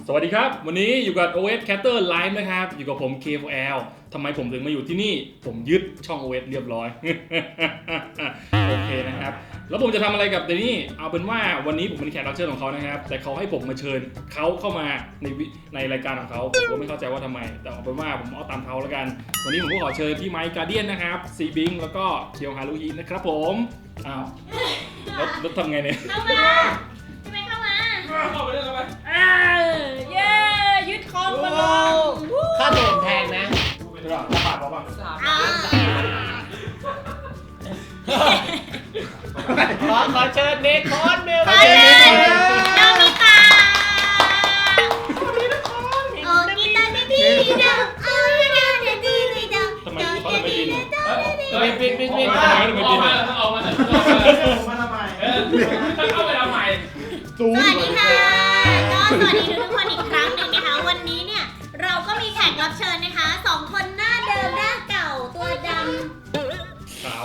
สวัสดีครับวันนี้อยู่กับ OS Catter Live นะครับอยู่กับผม K4L ทำไมผมถึงมาอยู่ที่นี่ผมยึดช่อง OS เรียบร้อย โอเคนะครับแล้วผมจะทำอะไรกับเดนี่เอาเป็นว่าวันนี้ผมเป็นแขกรับเชิญของเขานะครับแต่เขาให้ผมมาเชิญเขาเข้ามาในรายการของเขาผมก็ไม่เข้าใจว่าทำไมแต่เอาเป็นว่าผมเอาตามเขาแล้วกันวันนี้ผมก็ขอเชิญพี่ไมค์การ์เดียนนะครับซีบิงแล้วก็เคียวฮารุฮินะครับผมอ้าวแล้วทำไงเนี่ยเข้ามาพี่ไม่เข้ามาเข้าไปได้ไหมเย้ยึดคอมมาลงค่าโดนแพงนะเป็นระบาดป่ะขอเชิญเนคอนเมลไปเลยโนมิตะโอ้กีตาร์ดีดีดังโอ้ดีดีดีดังทำไมเขาทำไมบินบินออกมาทำไมเข้าไปทำไมสวัสดีค่ะก็สวัสดีทุกคนอีกครั้งหนึ่งนะคะวันนี้เนี่ยเราก็มีแขกรับเชิญนะคะ2คนหน้าเดิมหน้าเก่าตัวดำขาว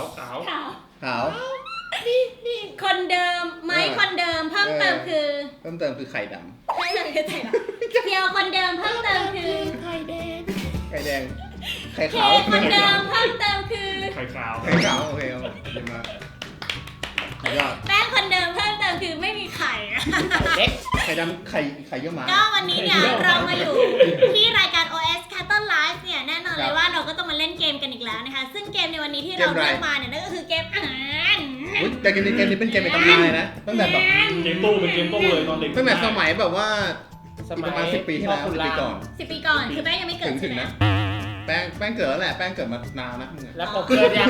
คนเดิมไม้คนเดิมเพิ่มเติมคือไข่ดเพียวคนเดิมเพิ่มเติมคือไข่แดงไข่เคขาวคนเดิมเพิ่มเติมคือไข่ขาวโอเคดีมากแป้งคนเดิมเพิ่มเติมคือไม่มีไข่เด็กไข่ดำไข่เยอะมากก็วันนี้เนี่ยเรามาอยู่ที่รายการ OS Catter Live เนี่ยแน่นอนเลยว่าเราก็ต้องมาเล่นเกมกันอีกแล้วนะคะซึ่งเกมในวันนี้ที่เราเลือกมาเนี่ยนั่นก็คือเกมอาหารแต่เกมนี้เป็นเกมในตำนานเลยนะตั้งแต่แบบเกมตู้เป็นเกมตู้เลยตอนเด็กตั้งแต่สมัยแบบว่าประมาณ10 ปีที่แล้ว10 ปีก่อน 10 ปีก่อนคือแป้งยังไม่เกิดถึงนะแป้งเกิดแล้วแหละแป้งเกิดมานานนะแล้วผมเกิดยัง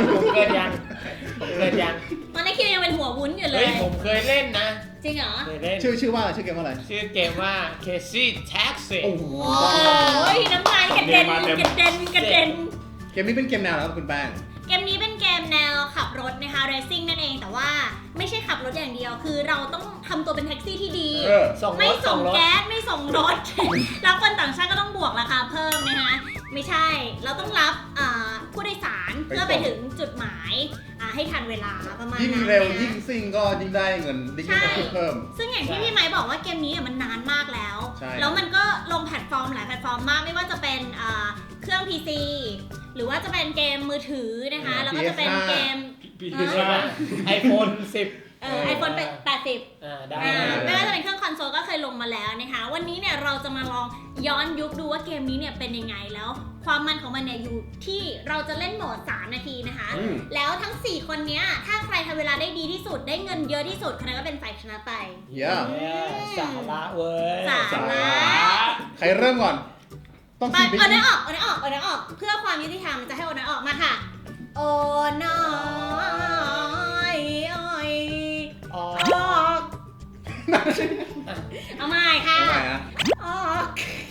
ตอนนี้คิวยังเป็นหัววุ้นอยู่เลยผมเคยเล่นนะจริงเหรอชื่อว่าชื่อเกมว่าอะไรชื่อเกมว่า Crazy Taxi โอ้โหน้ำลายกระเด็นเกมนี้เป็นเกมแนวแล้วคุณแป้งเกมนี้เป็นเกมแนวขับรถนะคะ racing นั่นเองแต่ว่าไม่ใช่ขับรถอย่างเดียวคือเราต้องทำตัวเป็นแท็กซี่ที่ดีไม่ส่งแก๊สไม่ส่งรถแล้วคนต่างชาติก็ต้องบวกราคาเพิ่มนะคะไม่ใช่เราต้องรับผู้โดยสารเพื่อไปถึงจุดหมายให้ทันเวลาประมาณนั้นยิ่งเร็วยิ่งซิ่งก็ยิ่งได้เงินยิ่งได้เพิ่มซึ่งอย่างที่พี่ไมค์บอกว่าเกมนี้เนี่ยมันนานมากแล้วแล้วมันก็ลงแพลตฟอร์มหลายแพลตฟอร์มมากไม่ว่าจะเป็นเครื่อง PC หรือว่าจะเป็นเกมมือถือนะคะแล้วก็จะเป็นเกม iPhone 10 iPhone 80 ได้ไม่ว่าจะเป็นเครื่องคอนโซลก็เคยลงมาแล้วนะคะวันนี้เนี่ยเราจะมาลองย้อนยุคดูว่าเกมนี้เนี่ยเป็นยังไงแล้วความมันของมันเนี่ยอยู่ที่เราจะเล่นโหมด3 นาทีนะคะแล้วทั้ง4คนเนี้ยถ้าใครทำเวลาได้ดีที่สุดได้เงินเยอะที่สุดคนนั้นก็เป็นฝ่ายชนะไปสาระเว้ยสาระใครเริ่มก่อนต้องซีบิ๊กเอาหน้าออกเพื่อความยุติธรรมจะให้โอน้อยออกมาค่ะโอน้อยออกเอาใหม่ค่ะออก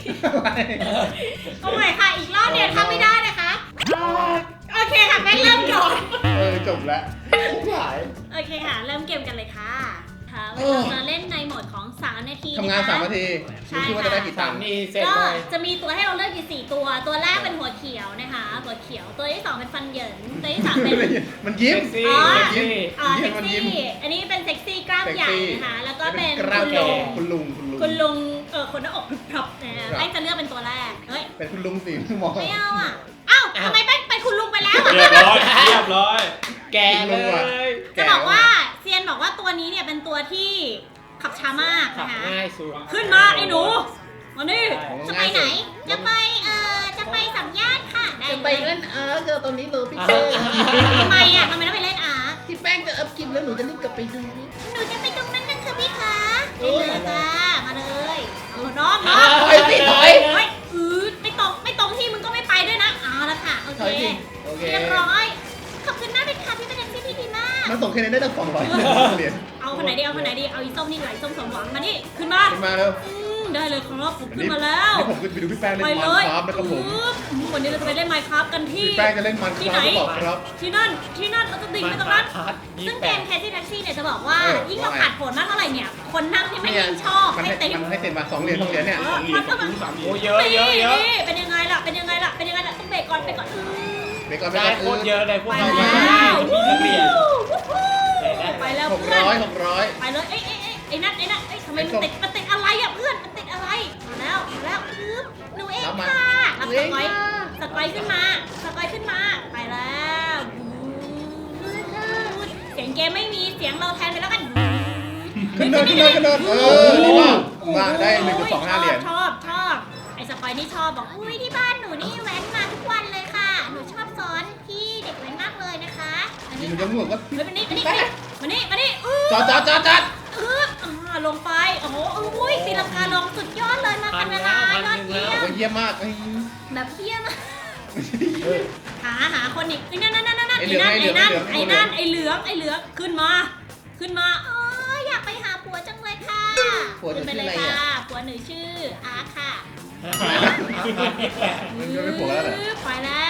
เอาใหม่ค่ะอีกรอบเดียวทำไม่ได้นะคะโอเคค่ะแม่เริ่มก่อนจบแล้วโอเคค่ะเริ่มเกมกันเลยค่ะเราจะเล่นในโหมดของ3 นาทีทำงาน3 นาทีคิดว่าจะได้กี่ตังค์ก็จะมีตัวให้เราเลือกอยู่4 ตัวแรกเป็นหัวเขียวนะคะหัวเขียวตัวที่2เป็นฟันเหยินตัวที่3เป็นมันยิ้มเซ็กซี่อันนี้เป็นเซ็กซี่กล้ามใหญ่นะคะแล้วก็เป็นคุณลุงคนหน้าอกพรับนะแป้งจะเลือกเป็นตัวแรกเฮ้ยเป็นคุณลุงสิมองไม่เอาอ่ะทำไมแป้งเป็นคุณลุงไปแล้วเรียบร้อยแกเลยจะบอกว่าเซียนบอกว่าตัวนี้เนี่ยเป็นตัวที่ขับช้ามากนะคะขึ้นมาไอ้หนูมานี่จะไปไหนจะไปสัมญาติค่ะจะไปเล่นเจอตรงนี้เลยพี่เจทำไมต้องไปเล่นที่แป้งจะอัพกินแล้วหนูจะรีบกลับไปดูหนูจะไปตรงนั้นนะคะพี่คะได้เลยจ้ามาเลยน้องพี่ถอยไม่ตรงที่มึงก็ไม่ไปด้วยนะแล้วค่ะโอเคเรียบร้อยขอบคุณมากเป็นค่ะพี่เป็นแท็กซี่ที่ดีมากมันส่งแค่นี้ได้ตั้ง200เหรียญเอาคนไหนดีเอาอีส้มนี่ไหลส้มสมหวังมานี่ขึ้นมาเร็วได้เลยครับผมขึ้นมาแล้วผมขึ้นไปดูพี่แป้งเล่นMinecraftนะครับผมวันนี้เราจะไปเล่นMinecraftกันที่พี่แป้งจะเล่นMinecraftที่ไหนครับที่นั่นเราจะดิ่งไปตรงนั้นซึ่งเกม Crazy Taxi เนี่ยจะบอกว่ายิ่งเราขาดผลมากเท่าไหร่เนี่ยคนนั่งที่ไม่ยิ่งชอบให้เต็มมา2 เหรียญเนี่ยโอ้เยอะเป็นยังไงล่ะต้องเบรกก่อนได้โคตรเยอะเลยพวกเราไปแล้ว 600 ไปเลยไอ้นั่นทำไมมันติดอะไรอ่ะเพื่อนมันติดอะไรมาแล้วดีมากมาได้ 1.25 เหรียญชอบไอ้สปอยนี่ชอบบอกอุ้ยที่บ้านหนูนี่แว้นมาทุกวันเลยค่ะหนูชอบสอนพี่เด็กแว้นมากเลยนะคะอันนี้มันจะเหมือนว่าเฮ้ยมานี่จอดลงไปโอ้โหอุ้ยตีลังกาลงสุดยอดเลยมาคานาดายอดเยี่ยมเยี่ยมมากแบบเยี่ยมหาคนอีกนั่นไอ้เหลืองขึ้นมาอยากไปหาผัวจังเลยค่ะขึ้นไปเลยค่ะผัวหนูชื่ออาร์ค่ะมันจะไม่ผัวแล้วเหรอไป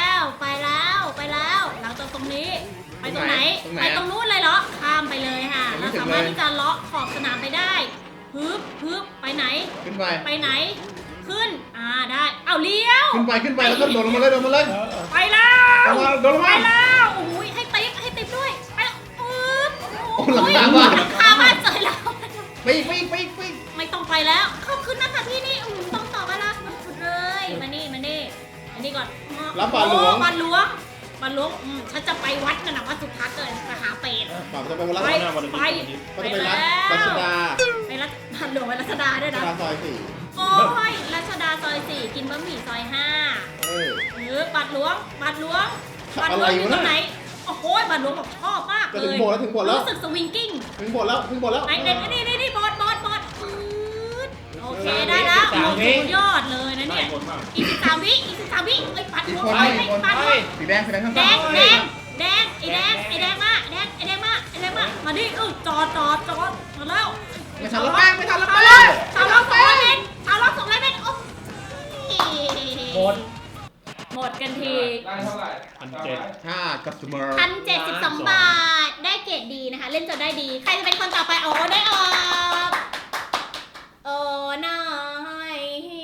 แล้วหลังจากตรงนี้ไปตรงไหนไปตรงนู้นเลยเหรอข้ามไปเลยค่ะเราสามารถที่จะเลาะขอบสนามไปได้ฮึบไปไหนขึ้นไปไปไหนขึ้นได้เอาเลี้ยวขึ้นไปแล้วก็โดดลงมาเลยไปแล้วโดดลงไปมาแล้วโอ้ยให้ติ๊บด้วยไปแล้วโอ้หลังคาบ้านหลังคาบ้านเจอแล้วไปไม่ต้องไปแล้วขอบคุณนะคะพี่นี่ต้องต่อกันละสุดเลยมานี่อันนี้ก่อนรับบาทหลวงบาทหลวงฉันจะไปวัดกันนะวัดสุทัศน์เลยไปหาเป็ดป่าวจะไปวัดไปก็จะไปรัชดาไปรัชบาทหลวงไปรัชดาด้วยนะซอยโอ้ยรัชดาซอย 4กินบะหมี่ซอย 5บาทหลวงอยู่ตรงไหนโอ้โหบาทหลวงบอกชอบมากเลยถึงโบแล้วรู้สึกสวิงกิ้งถึงโบแล้วไอ้นี่บอสโอเคได้แล้วสุดยอดเลยนะเนี่ยอีก13 วิเอ้ยปัดหัวไปสีแดงข้างแดงไอ้แดงมามาดิจอดมาแล้วไม่ทันแล้วแป้งชาวล็อก200 เมตรโอ้หมดกันทีได้เท่าไหร่ 5 customer 1,072 บาทได้เกรดดีนะคะเล่นจนได้ดีใครจะเป็นคนต่อไปได้ออกน้อย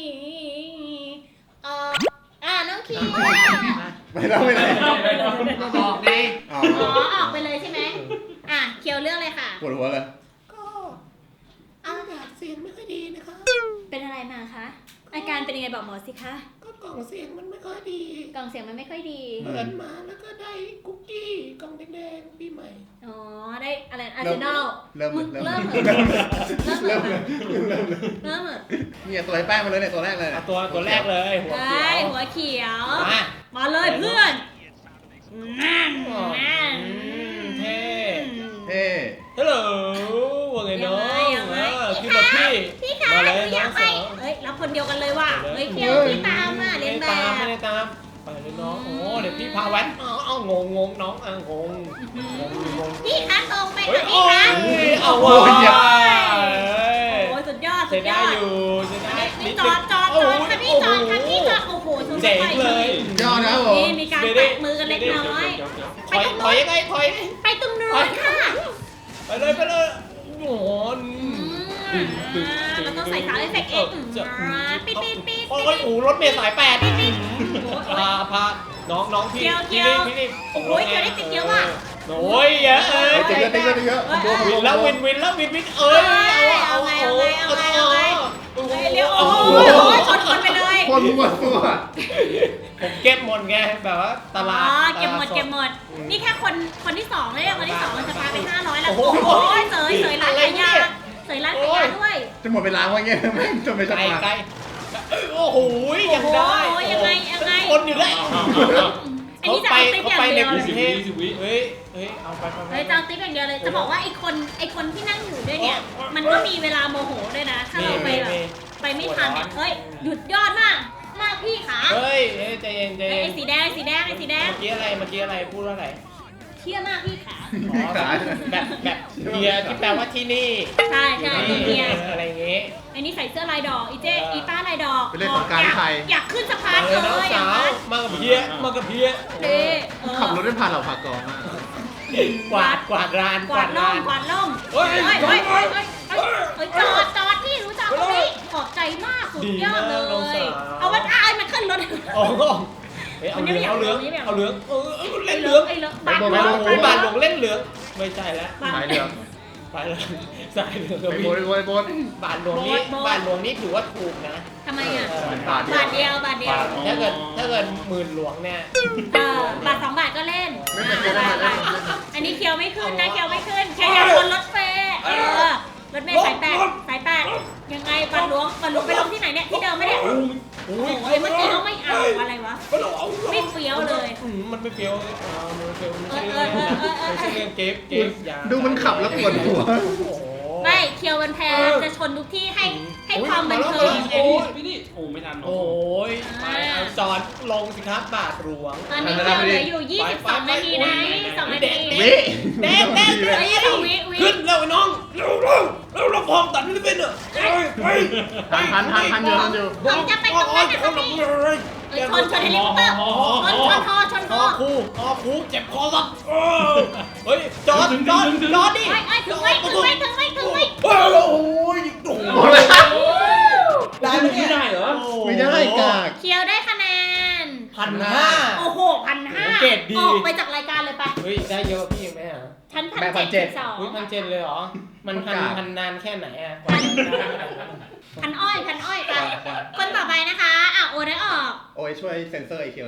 น้องคิวไม่ได้ออกไงออกไปเลยใช่ไหมเคียวเรื่องเลยค่ะปวดหัวเลยก็อากาศเสียงไม่ค่อยดีนะคะเป็นอะไรมาคะอาการเป็นยังไงบอกหมอสิคะก็กล่องเสียงมันไม่ค่อยดีกล่องเสียงมันไม่ค่อยดีเปิดมาแล้วก็ได้คุกกี้กล่องแดงๆปีใหม่ได้อะไรอาร์เซนอลเริ่มเริ่มเนี่ยตัวไอ้แป้งมาเลยเนี่ยตัวแรกเลยตัวแรกเลยหัวเขียวหัวเขียวมามาเลยเพื่อนนั่นเท่เฮ้ฮัลโหลว่าไงน้องขึ้นรถพี่ขามาเลยอน้ยาอก งไปสาวเฮ้ยรับคนเดียวกันเลยว่ะเฮ้ยเคียวพี่ตามเรียนแบบไม่ได้ตามไปเลยน้องโอ้เดี๋ยวพี่พาแว้นงงน้องงงพี่คะตรงไปเฮ้ยพี่คะเอาว่ะโอ้ยสุดยอดจะได้อยู่จะได้นี่จอดค่ะพี่จอดโอ้โหสุดเจ๋งเลยยอดนะผมนี่มีการแตะมือกันเล็กน้อยถอยยังไงถอยไปตรงนู้นค่ะไปเลยโอ้โหเราต้องใส่ซาวด์เอฟเฟกต์เองปิดโอ้ยรถเมล์สาย8พาน้องพี่นี่โอ้ยเคียวได้ติดเยอะว่ะโอ้ยเยอะติดเยอะวินแล้ววินเอ้ยเอาไงเลี้ยวโอ้ยชนคนไปเลยคนหัวตัวผมเก็บหมดไงแบบว่าตลาดเก็บหมดนี่แค่คนที่2เลยคนที่2มันจะพาไป500แล้วโอ้ยเสยร้านขายยาด้วยจะหมดเวลาว่าเงี้ยไม่จนไม่ใช่ไกลโอ้โหยังได้ยังไงคนอยู่ได้อันนี้จะเอาติ๊บอย่างเดียวเฮ้ยเอาไปเฮ้ยจะเอาติ๊บอย่างเดียวเลยจะบอกว่าไอ้คนที่นั่งอยู่ด้วยเนี่ยมันก็มีเวลาโมโหด้วยนะถ้าเราไปแบบไปไม่ทันเฮ้ยหยุดยอดมากพี่ขาเฮ้ยใจเย็นไอ้สีแดงเมื่อกี้อะไรพูดว่าอะไรเที่ยมากพี่ขาแบบเฮียที่แปลว่าที่นี่ใช่เที่ยอะไรอย่างงี้อันนี้ใส่เสื้อลายดอกอีป้าลายดอกเป็นเรื่องของการไทยอยากขึ้นสะพานเลยน้องสาวมากับเพี้ยขับรถได้ผ่านเหล่าผักกองมากกวาดร้านกวาดล่มเฮ้ยจอดที่รู้จักไหมขอบใจมากสุดยอดเลยเอามันขึ้นรถโอ้โหเอาเหลืองเล่นเหลืองบาทหลวงเล่นเหลืองไม่ใช่แล้วสายเหลืองไปเลยสายเหลืองไปบนบาทหลวงนี่ถือว่าถูกนะทำไมอ่ะบาทบาทเดียวถ้าเกิดหมื่นหลวงเนี่ยบาท2 บาทก็เล่นไม่เป็นไรอันนี้เคียวไม่ขึ้นนะเคียวไม่ขึ้นเคียวคนรถเฟย์รถเมล์สายแปดยังไงบัตรหลวงไปลงที่ไหนเนี่ยที่เดิมไหมเนี่ยโอ้ยเมื่อกี้เขาไม่เอาอะไรวะไม่เฟี้ยวเลยมันไม่เฟี้ยวมันไม่เฟี้ยวไม่ใช่เรื่องเกมอย่าดูมันขับแล้วปวดหัวไม่เคียวมันแพ้จะชนทุกที่ให้ความบันเทิงพี่นี่โอ้ไม่ทันโอ้ยไปเอาจอดลงสิครับบาทหลวงตอนนี้เคียวเหลืออยู่22 นาทีนะ22 นาทีเด็กเฮ้ย22 วิขึ้นเร็วไอ้น้องเร็วพองตัดไม่เป็นอ่ะทันอยู่ผมจะไปตรงนั้นนะครับพี่ชนเฮลิคอปเตอร์ชนคอครูเจ็บคอสักเฮ้ยจอดดิถึงไหมโอ้ยได้ไม่ได้เหรอไม่ได้กากเคียวได้คะแนน 1,500 โอ้โห 1,500 เกรดดีออกไปจากรายการเลยไปเฮ้ยได้เยอะพี่ไหมอ่ะชั้นแม่1,700 อุ้ย1,700เลยเหรอมันพันนานแค่ไหนอ่ะพันอ้อยไปคนต่อไปนะคะโอได้ออกโอ้ยช่วยเซ็นเซอร์ไอเคียว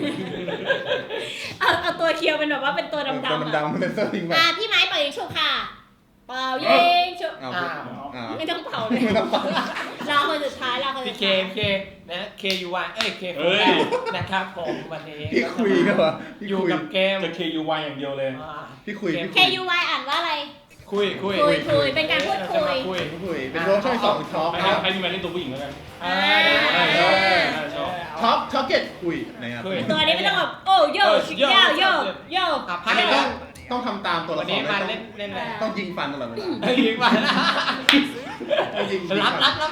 เอาตัวเคียวเป็นแบบว่าเป็นตัวดำตัวดำๆเซ็นเซอร์ทิ้งไปพี่ไม้เป่ายิงฉุบค่ะเป่ายิงฉุบ ไม่ต้องเป่าเลยรอคนสุดท้ายพี่เคนะเคยูวเคโฟนะครับผมวันนี้พี่คุยกันวะอยู่กับเกมจะ KUY อย่างเดียวเลยพี่คุย KUY อ่านว่าอะไรคุยเป็นการพูดคุยเป็นโรคช่องสองท็อปใครมีมาเล่นตัวผู้หญิงแล้วกันท็อปเก็ตคุยนะครับตัวนี้ไม่ต้องแบบโอ้โยพักต้องทำตามตัวละครวันนี้มาเล่นอะไรต้องยิงฟันตลอดเวลายิงฟันยิงรับ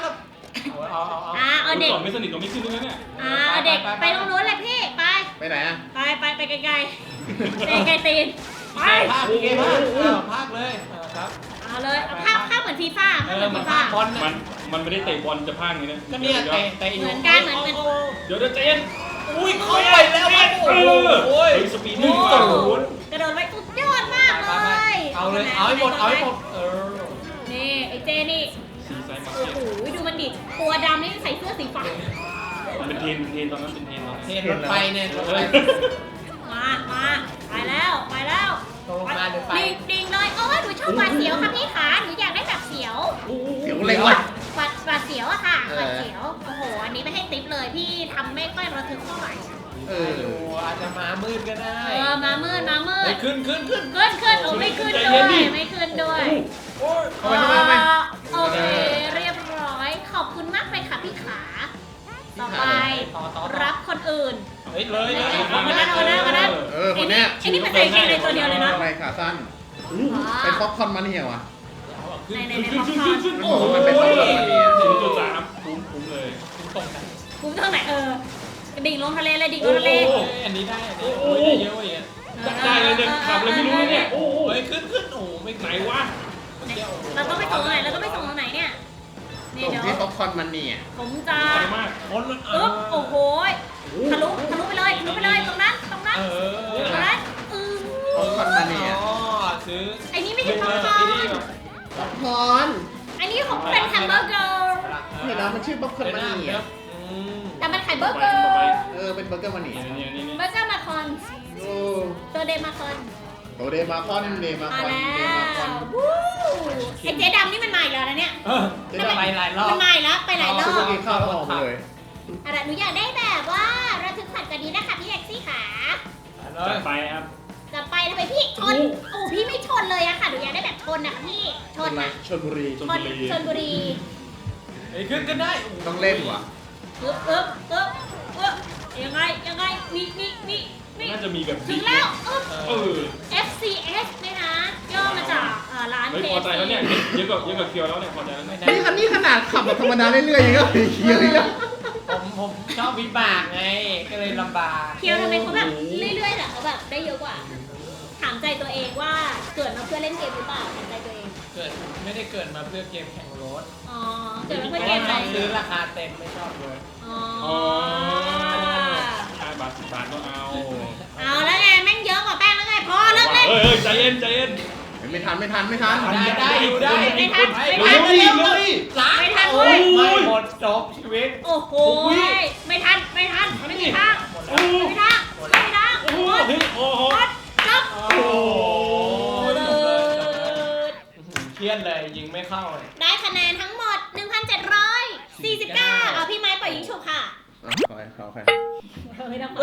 เอาเด็กก่อนไม่สนิทก็ไม่ขึ้นด้วยเนี่ยเอาเด็กไปตรงนู้นเลยพี่ไปไหนไปไกลไกลตีนไปภาคเลยครับเอาเลยภาพเหมือนฟีฟ่ามันภาคบอลมันไม่ได้เตะบอลจะพากอย่างนี้นะก็เนี่ยเตะเหมือนกันเดี๋ยวเจนอุ้ยเข้าไปแล้วโอ้ยสปีดนี่กระโดดไปสุดยอดมากเลยเอาให้หมดนี่ไอ้เจนี่โอ้โหดูมันดิตัวดำนี่ใส่เสื้อสีฟ้ามันเป็นเทนตอนนั้นเป็นเทนรถไฟเนี่ยมาไปแล้วดิ่งเลยหนูชอบหวาดเสียวค่ะพี่ขาหนูอยากได้แบบเสียวเสียวเล็กว่ะหวาดเสียวอะค่ะหวาดเสียวโอ้โหอันนี้ไม่ให้ติ๊บเลยพี่ทำไม่ค่อยระทึกเท่าไหร่อาจจะมามืดก็ได้มามืดขึ้นโอ้ไม่ขึ้นด้วยโอเคเรียบร้อยขอบคุณมากเลยค่ะพี่ขาต่อไปรับคนอื่นเลยคนนั้นคนนี้ไอ้นี่เป็นใส่เกงในตัวเดียวเลยนะอะไรขาสั้นเป็นป๊อปคอร์นมันเหี่ยวอ่ะในป๊อปคอร์นโอ้มันเป็นป๊อปคอร์นมันเหี่ยว 0.3คุ้มเลยคุ้มตรงไหนดิ่งลงทะเลเลยดิ่งลงทะเลอันนี้ได้เยอะอย่างเงี้ยได้เลยเนี่ยขับเลยไม่รู้เลยเนี่ยโอ้ยขึ้นโอ้ไม่ไหนวะเราต้องไปส่งตรงไหนเนี่ยนี่เดี๋ยวที่ป๊อปคอร์นมันเนี่ยผมจะโอ้โหทะลุไปเลยตรงนั้นป๊อปคอร์นมันเนี่ยซื้อไอ้นี่ไม่ใช่ป๊อปคอร์นอันนี้ของเป็นแฮมเบอร์เกอร์เห็นแล้วมันชื่อป๊อปคอร์นมันเนี่ยแต่มันขายเบอร์เกอร์เป็นเบอร์เกอร์มันเนี่ยเบอร์เกอร์มาคอนตัวเดมาคอนไอเจ๊ดำนี่มันใหม่แล้วนะเนี่ยไปหลายรอบมันใหม่แล้วไปหลายรอบกินข้าวแล้วออกเลยอะไรหนูอยากได้แบบว่าระทึกขวัญกว่านี้นะคะพี่แท็กซี่ขาจะไปครับจะไปทำไมพี่ชนโอ้พี่ไม่ชนเลยอะค่ะหนูอยากได้แบบชนนะพี่ชนนะชลบุรีขึ้นได้ต้องเล่นว่ะยังไงนี่น่าจะมีแบบถึงแล้วFCS นะคะย่อมาจากร้านพอใจแล้วเนี่ยเยอะกว่าเคียวแล้วเนี่ยพอใจแล้วนี่ขนาดขับแบบธรรมดาเรื่อยๆอย่างเงี้ยเคียวนี่แล้วผมชอบวิบากไงก็เลยลำบากเคียวทำไมเขาแบบเรื่อยๆแต่เขาแบบได้เยอะกว่าถามใจตัวเองว่าเกิดมาเพื่อเล่นเกมหรือเปล่าถามใจตัวเองไม่ได้เกิดมาเพื่อเกมแข่งรถเกิดมาเพื่อเกมอะไรซื้อราคาเต็มไม่ชอบเลยบาท10 บาทก็เอาแล้วไงแม่งเยอะกว่าแป้งแล้วไงพอเลิกเล่นใจเย็นไม่ทันได้ไม่ทันไม่หมดจบชีวิตโอ้โหไม่ทันไม่มีทางหมดจบเคีรียดเลยยิงไม่เข้าเลยได้คะแนนทั้งหมด 1,749เอาพี่ไม้ปล่อยยิงฉุบค่ะขอใครไม่ต้อง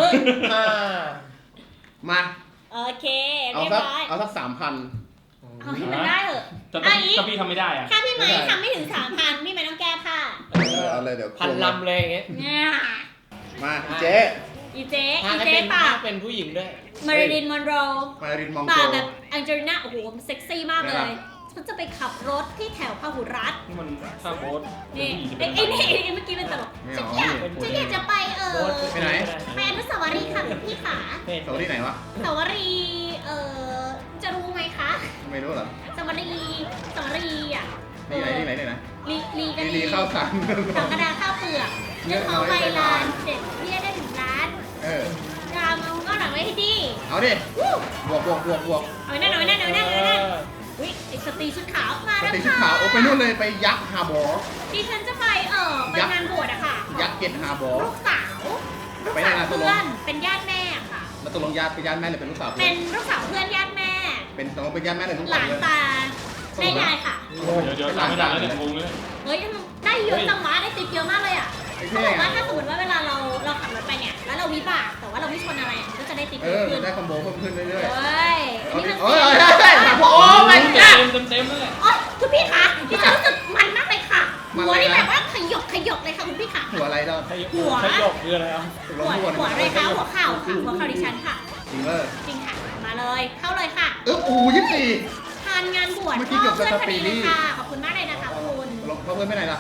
มาโอเคเอาเรียบสักร้อยเอาสัก3,000 เอาให้มันได้เหอะถ้าเอาอีกพี่ทำไม่ได้อะถ้าพี่ไม้ทำไม่ถึง 3,000พี่ไม้ต้องแก้ผ้าเอาเลยเดี๋ยวพันลำเลยอย่างเงี้ยเนี่ยมาเจ๊อีเจ๊ถ้าอีให้เจ๊เป็นปาถ้าก เป็นผู้หญิงด้วยมาริลินมอนโรมารินมองปาโกกแบบแองเจลิน่าโอ้โหเซ็กซี่มากเลนะครับย ฉันจะไปขับรถที่แถวพหุรัตน์นี่มันถ้าโบ๊ทนี่เป็ไอ้นผู้หญิงจะไอ้เป็นนี่เมื่อกี้เป็นตลกไม่ฉันเอาอยากไม่ฉันอยากจะไปไปไหนไปอนุสาวรีย์ค่ะคุณพี่ขาสวัสดีไหนวะอนุสาวรีย์จะรู้ไหมคะไม่รู้เหรอสาวรีย์อ่ะนี่ไหนนะลีกันลีข้าวสารสังกระดาข้าวเปลือกเรื่องเขาไปร้านเด็ดเบี้ยได้ถึงร้านเออรามเอาก็หลังไว้ให้ดีเอาดิบวกเอาไว้นั่นอุ้ยไอ้สตรีชุดขาวมาปแล้วฏิชุดค่ะขาวโอ้ไปนู่นเลยไปยักษ์ฮาร์บอร์ดิฉันจะไปไปงานบวชอะค่ะยักษ์เกตฮาร์บอร์ลูกสาวไปไหนนะเพื่อนเป็นญาติแม่ค่ะแล้วตกลงญาติเป็นญาติแม่หรือเป็นลูกสาวเป็นลูกสาวเพื่อนญาติแม่เป็นตกลงเป็นญาติแม่หรือลูกหสาลาวน เลยตาแม่ยายค่ะเดี๋ยวตามไม่ได้แล้วเนี่ยงงเลยเฮ้ยได้เยอะจังวะได้ติดเยอะมากเลยอะไอ้เขาเท่บอกว่าถ้าสมมติว่าเวลาเราขับรถไปเนี่ยแล้วเราวิบากแต่ว่าเราไม่ชนอะไรก็จะได้ติดเอเยอะอขึ้นได้คอมโบเพิ่มขึ้นเรื่อยเฮ้ยๆอันนี้มันโอ้ยโอ้โอ้ไม่เต็มนั่นแหละยคุณพี่คะที่ฉันรู้สึกมันมากเลยค่ะมันหัวอะไรนี่นะแบบว่าขยกเลยค่ะคุณพี่ค่ะหัวอะไรเราหัวขยกคืออะไรอ่ะตกลงหัวเลยค่ะหัวเข่าค่ะหัวเข่าดิฉันค่ะจริงเลยจริงค่ะมาเลยเข้าเลยค่ะ 24 ทานงานบวชเมื่อกี้เกือบจะเพื่อนพอดีสปีเลดี้ยค่ะขอบคุณมากเลยนะคะคุณลงเพื่อนไปไหนล่ะ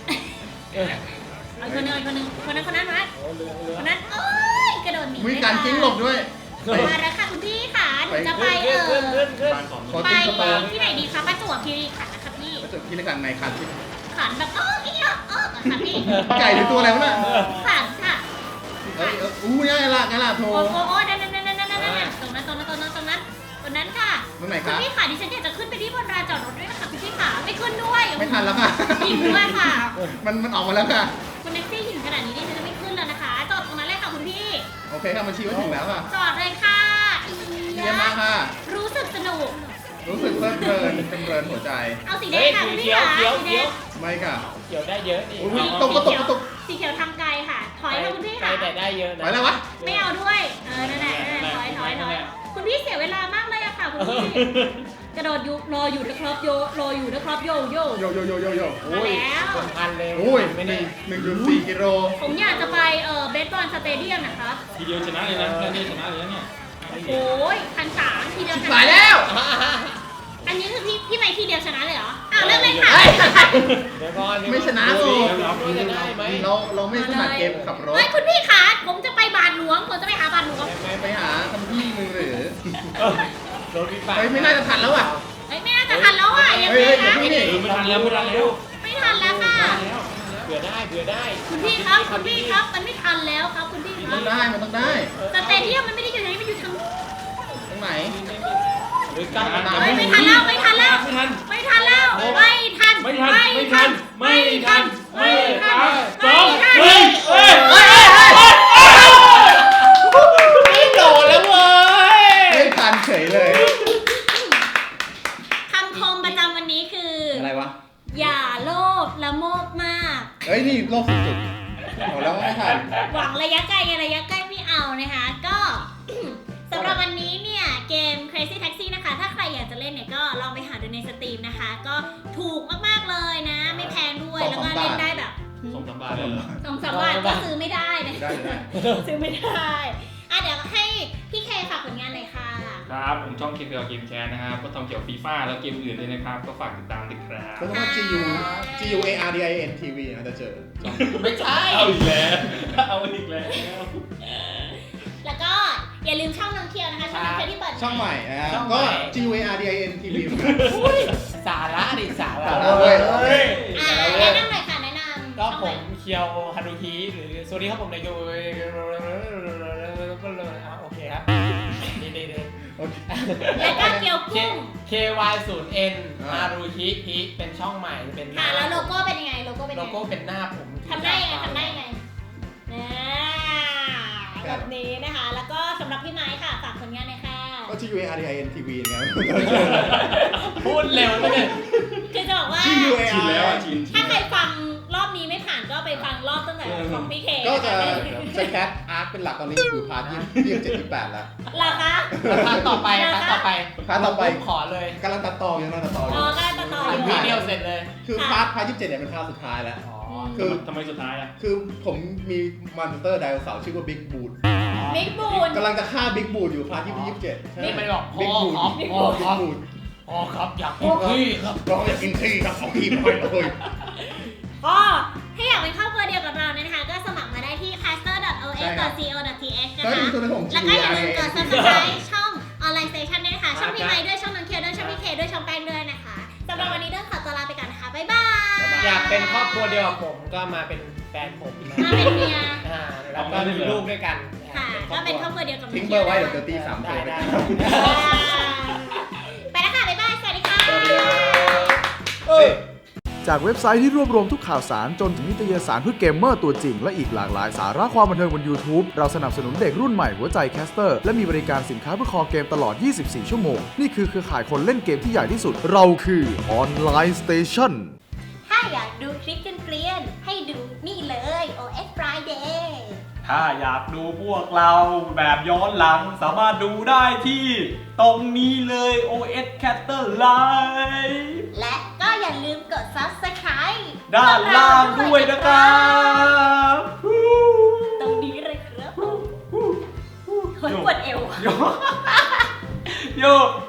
เอาคนนั้นมาคนนั้นเอ้ยกระโดดหนีมีการจิ้งหลบด้วยมาแล้วค่ะคุณพี่ค่ะหนูจะไปขึ้นบ้านของขอไปจิ้งสเตอร์ที่ไหนดีคะประจวบคีรีขันธ์นะคะพี่แล้วจุดที่ในการในคันที่ขันแบบอีกค่ะพี่ไก่หรือตัวอะไรวะน่ะขันค่ะเฮ้ยง่ายละโทรโอ้นั่นตรงนั้นค่ะตรงไหนคุคณรับพี่ค่ะดิฉันอยากจะขึ้นไปที่บนลานจอดรถด้วยนะคะคุณพี่ค่ะไม่ขึ้นด้วยไม่ทันแล้วค่ะหินด้วยค่ะมันออกมาแล้วค่ะคุณแท็กซี่หินขนาดนี้ดิฉันจะไม่ขึ้นแล้วนะคะ จอดตรงนั้นเลยค่ะคุณพี่โอเคค่ะมันชี้ว่าถึงแล้วค่ะจอดเลยค่ะเยี่ยมมากค่ะรู้สึกสนุกรู้สึกเพลิดเพลินเป็นเพลินหัวใจเอาสีแดเฮ้งยค่ะคุณพี่เขียวค่ะเขียวสีแดเขียวงไม่ค่ะเขียวได้เยอะนี่อุ้ยตกกระตุกสีเขียวทำไกลค่ะ ถอยค่ะคุณพี่ไกลค่ะแต่ได้เยอะไปนะแล้ววะไม่เอาด้วย นั่นแหละถอยคุณพี่เสียเวลามากเลยอะค่ะคุณพี่ กระโดดยุรออยู่นะครับโยโยมา แล้วเป็นพันเลยโอ้ยไม่ 1.4 ได้กิโลผมอยากจะไปเบสบอลสเตเดียมนะคะทีเดียวชนะเลยนะแค่นี้ชนะเลยนะเนี่ยโอ้ย1,300ทีเดียวชนะสายแล้วอันนี้คือพี่ไม่ทีเดียวชนะเลยเหรอ อ้าวเริ่มเลยค่ะเดี๋ยวก่อนไม่ชนะสูว่าจะได้ไหมเราไม่ถนัดเกมขับรถเฮ้ยคุณพี่คะผมจะไปบาทหลวง ผมจะไปหาบาทหลวงไปหาทำที่มึงหรือโดนวิบากเฮ้ยไม่น่าจะทันแล้วอ่ะเฮ้ยไม่น่าจะทันแล้วอ่ะยังไงนะเฮ้ยเดี๋ยวพี่ไม่ทันแล้วไม่ทันแล้วค่ะเผื่อได้คุณพี่ครับมันไม่ทันแล้วครับคุณพี่คมัรันบต้องได้สเตเดียมมันไม่ได้อยู่ไหนมันอยู่ทางตรงไหนหรือการเฮ้ยไม่ทันแล้วไม่ทันไม่ทันสองหนึ่งไม่โดนแล้วเว้ยไม่ทันเฉยเลยคำคมประจำวันนี้คืออะไรวะอย่าโลภละโมบมากเฮ้ยนี่โลกสุดๆบอกแล้วว่าไม่ทันหวังระยะไกลระยะใกล้ไม่เอานะคะ ก็ สำหรับวันนี้เนี่ยเกม Crazy Taxi นะคะ ถ้าใครอยากจะเล่นเนี่ยก็ลองไปหาดูในสตรีมนะคะ ก็ถูกมากๆเลยนะ ไม่แพงด้วยแล้วก็เล่นได้แบบส่งสบายเลย 2-3 บาทก็ซื้อไม่ได้นะได้เลยซื้อไม่ได้เดี๋ยวให้พี่เคฝากผลงานเลยค่ะครับผมช่อง KPL Game Chat นะครับก็ทำเกี่ยวกับฟีฟ่าแล้วเกมอื่นด้วยนะครับก็ฝากติดตามด้วยครับก็ต้องว่า GUARDIN TV นะจะเจอไม่ใช่เอาอีกแล้วแล้วก็อย่าลืมช่องน้องเคียวนะคะช่องน้องเคียวที่เปิดช่องใหม่นะครับช่องใหม่ก็ GUARDIN TV เหมือนกันสาระดิสาระเว้ยแนะนำหน่อยค่ะแนะนำก็ช่องผไหนมเคียวฮารุฮิหรือสวัสดีครับผมนายโยโอเคครับดีโอเคแล้วก็เกียวกุ้ง KY0N ฮารุฮิเป็นช่องใหม่เป็นหค่ะน้าแล้วโลโก้เป็นยังไงโลโก้เป็นโลยังไงโก้เป็นหน้าผมทำได้ยังไงแบบนี้นะคะ แล้วก็สำหรับพี่ไม้ค่ะฝากผลงานหน่อยค่ะก็ GUARDIN TV นะครับพูดเร็วเลยบอกว่าชื่อ UAR ชินแล้วอะชินถ้าใครฟังรอบนี้ไม่ผ่านก็ไปฟังรอบตั้งแต่ของพี่เคก็จะแคสอาร์ตเป็นหลักตอนนี้คือพาร์ท27-28แล้วเหรอคะพาร์ทต่อไปพาร์ทต่อไปพาร์ทต่อไปขอเลยกำลังตัดต่อยังกำลังตัดต่อออ๋ยู่อก็ตัดต่ออยู่วีเดียวเสร็จเลยคือพาร์ท27เนี่ยเป็นพาร์ทสุดท้ายแล้วอ๋อคือทำไมสุดท้ายอ่ะคือผมมีมอนสเตอร์ไดโนเสาร์ชื่อว่าบิ๊กบูดบิ๊กบูนกำลังจะฆ่าบิ๊กบูดอยู่พาร์ท27 นี่มันบอกบิ๊กบูดพ่อบิ๊กครับบูดอ๋อครับอยากกินขี้ครับเราอยากกินขี้ครับเอาขี้มาให้เลยก็ถ้าอยากเป็นครอบครัวเดียวกับเราเนี่ยนะคะ ก็สมัครมาได้ที่ caster.os.co.th นะก็คะมีตัวของแล้วก็อย่าลืมกด subscribe ช่อง Online Station ด้วยนะคะ ช่องพี่ไม้ด้วย ช่องน้องเคียวด้วย ช่องพี่เคด้วย ช่องแป้งด้วยนะคะสำหรับวันนี้เดินขอตัวลาไปก่อนนะคะ บ๊ายบายอยากเป็นครอบครัวเดียวกับผมก็มาเป็นแฟนผมนะมาเป็นเมียแล้วก็มีลูกด้วยกันค่ะ ก็เป็นครอบครัวเดียวกับน้ทิ้อง งเบเคีอยวร์ไว้เดี๋ยวตี3 ได้ตัวได้ไปแล้วค่ะ บ๊ายบาย สวัสดีค่ะจากเว็บไซต์ที่รวบรวมทุกข่าวสารจนถึงนิตยสารเพื่อเกมเมอร์ตัวจริงและอีกหลากหลายสาระความบันเทิงบน YouTube เราสนับสนุนเด็กรุ่นใหม่หัวใจแคสเตอร์และมีบริการสินค้าเพื่อคอเกมตลอด 24 ชั่วโมง นี่คือเครือข่ายคนเล่นเกมที่ใหญ่ที่สุด เราคือ Online Station ถ้าอยากดูคลิปเกลียนๆให้ดูนี่เลย OS Friday ถ้าอยากดูพวกเราแบบย้อนหลังสามารถดูได้ที่ตรงนี้เลย OS Caster Live และก็อย่าลืมกด Subscribe ด้านล่างด้วยนะครับตรงนี้เลยครับผมโอ้ยปวดเอวโย